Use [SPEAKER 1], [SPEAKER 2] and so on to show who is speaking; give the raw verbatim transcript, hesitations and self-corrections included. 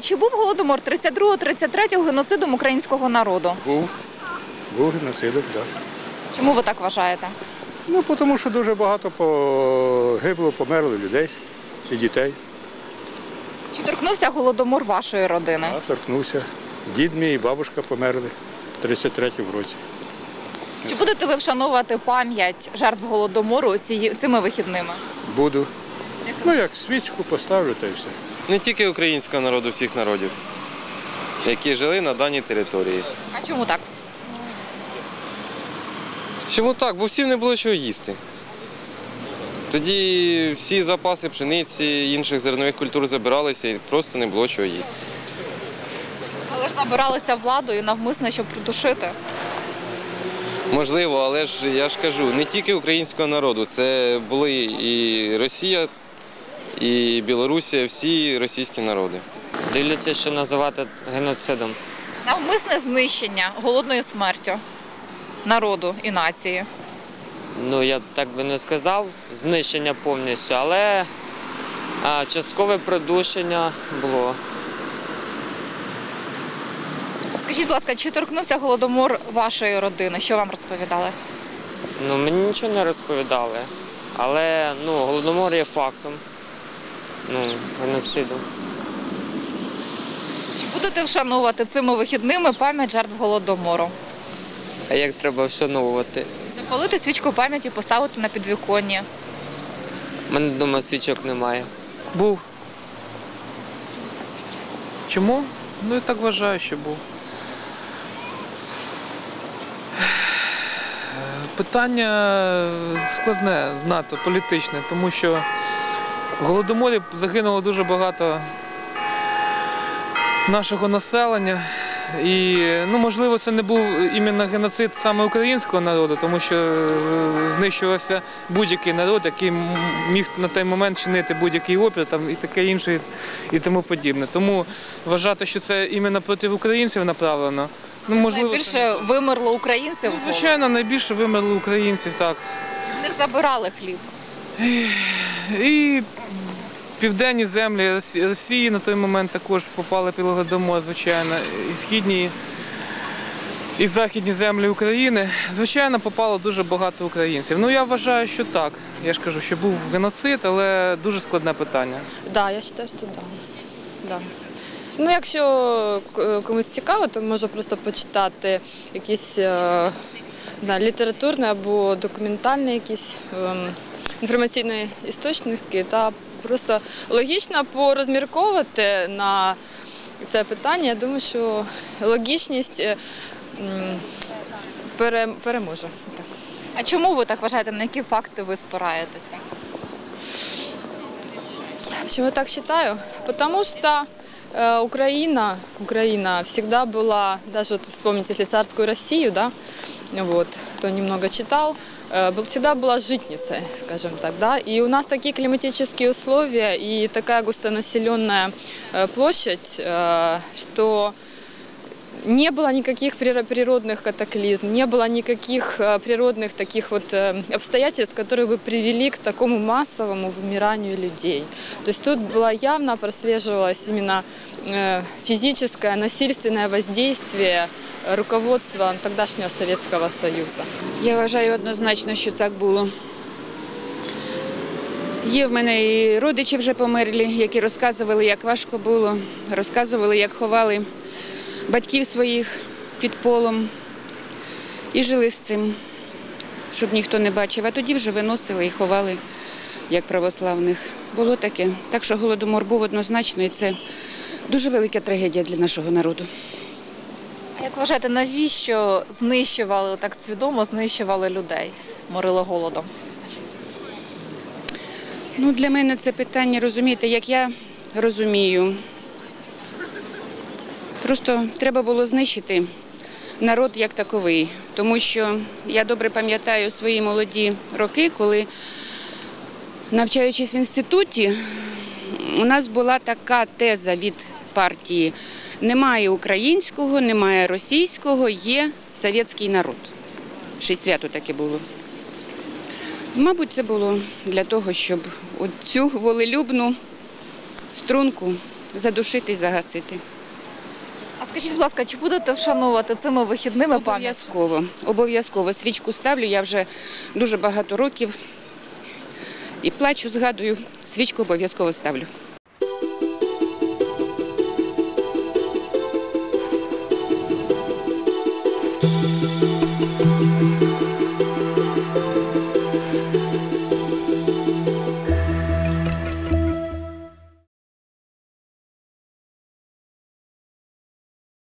[SPEAKER 1] Чи був Голодомор тридцять другого тридцять третього геноцидом українського народу?
[SPEAKER 2] Був. Був геноцидом, так.
[SPEAKER 1] Чому ви так вважаєте?
[SPEAKER 2] Ну, тому що дуже багато погибло, померло людей і дітей.
[SPEAKER 1] Чи торкнувся Голодомор вашої родини?
[SPEAKER 2] А торкнувся. Дід мій і бабушка померли в тридцять третьому році.
[SPEAKER 1] Чи будете ви вшановувати пам'ять жертв Голодомору ці, цими вихідними?
[SPEAKER 2] Буду. Ну, як свічку поставлю, та й все.
[SPEAKER 3] Не тільки українського народу, всіх народів, які жили на даній території.
[SPEAKER 1] А чому так?
[SPEAKER 3] Чому так? Бо всім не було чого їсти. Тоді всі запаси пшениці, інших зернових культур забиралися і просто не було чого їсти.
[SPEAKER 1] Але ж забиралися владою навмисно, щоб придушити.
[SPEAKER 3] Можливо, але ж я ж кажу, не тільки українського народу, це були і Росія, і Білорусія, всі російські народи.
[SPEAKER 4] Дивляться, що називати геноцидом.
[SPEAKER 1] Навмисне знищення голодною смертю народу і нації.
[SPEAKER 4] Ну, я б так би не сказав, знищення повністю, але а, часткове придушення було.
[SPEAKER 1] Скажіть, будь ласка, чи торкнувся Голодомор вашої родини? Що вам розповідали?
[SPEAKER 4] Ну, мені нічого не розповідали, але ну, Голодомор є фактом, ну, геноцидом.
[SPEAKER 1] Чи будете вшановувати цими вихідними пам'ять жертв Голодомору?
[SPEAKER 4] А як треба вшановувати?
[SPEAKER 1] Запалити свічку пам'яті, поставити на підвіконня.
[SPEAKER 4] У мене вдома свічок немає.
[SPEAKER 5] Був. Чому? Ну, я так вважаю, що був. Питання складне, знато, політичне, тому що в Голодоморі загинуло дуже багато нашого населення. І, ну, можливо, це не був іменно геноцид саме українського народу, тому що знищувався будь-який народ, який міг на той момент чинити будь-який опір там, і таке інше, і тому подібне. Тому вважати, що це іменно проти українців направлено, ну, можливо,
[SPEAKER 1] Найбільше
[SPEAKER 5] це...
[SPEAKER 1] вимерло українців.
[SPEAKER 5] Ну, звичайно, найбільше вимерло українців, так.
[SPEAKER 1] В них забирали хліб.
[SPEAKER 5] І, і південні землі Росії на той момент також попали під Голодомор, звичайно, і східні, і західні землі України. Звичайно, попало дуже багато українців. Ну, я вважаю, що так. Я ж кажу, що був геноцид, але дуже складне питання.
[SPEAKER 6] Так, да, я вважаю, що так. Да. Ну, якщо комусь цікаво, то може просто почитати якісь не знаю, літературні або документальні якісь ем, інформаційні істочники та просто логічно порозмірковувати на це питання. Я думаю, що логічність переможе.
[SPEAKER 1] А чому ви так вважаєте, на які факти ви спираєтеся?
[SPEAKER 6] Почему я так считаю? Потому что э, Украина, Украина всегда была, даже вот вспомните, если царскую Россию, да, вот, кто немного читал, э, всегда была житницей, скажем так, да, и у нас такие климатические условия и такая густонаселенная э, площадь, э, что не было никаких природных катаклизм, не было никаких природных таких вот обстоятельств, которые бы привели к такому массовому вымиранию людей. То есть тут было явно прослеживалось именно физическое, насильственное воздействие руководства тогдашнього Совєтського Союзу.
[SPEAKER 7] Я вважаю однозначно, що так було. Є в мене і родичі вже померлі, які розказували, як важко було, розказували, як ховали батьків своїх під полом і жили з цим, щоб ніхто не бачив. А тоді вже виносили і ховали, як православних. Було таке. Так що Голодомор був однозначно, і це дуже велика трагедія для нашого народу.
[SPEAKER 1] А як вважаєте, навіщо знищували, так свідомо знищували людей, морили голодом?
[SPEAKER 7] Ну, для мене це питання, розумієте, як я розумію. Просто треба було знищити народ як таковий, тому що я добре пам'ятаю свої молоді роки, коли, навчаючись в інституті, у нас була така теза від партії: немає українського, немає російського, є совєтський народ. Ще й свято таке було. Мабуть, це було для того, щоб цю волелюбну струнку задушити і загасити.
[SPEAKER 1] А скажіть, будь ласка, чи будете вшановувати цими вихідними пам'ять?
[SPEAKER 7] Обов'язково. Обов'язково. Свічку ставлю, я вже дуже багато років і плачу, згадую, свічку обов'язково ставлю.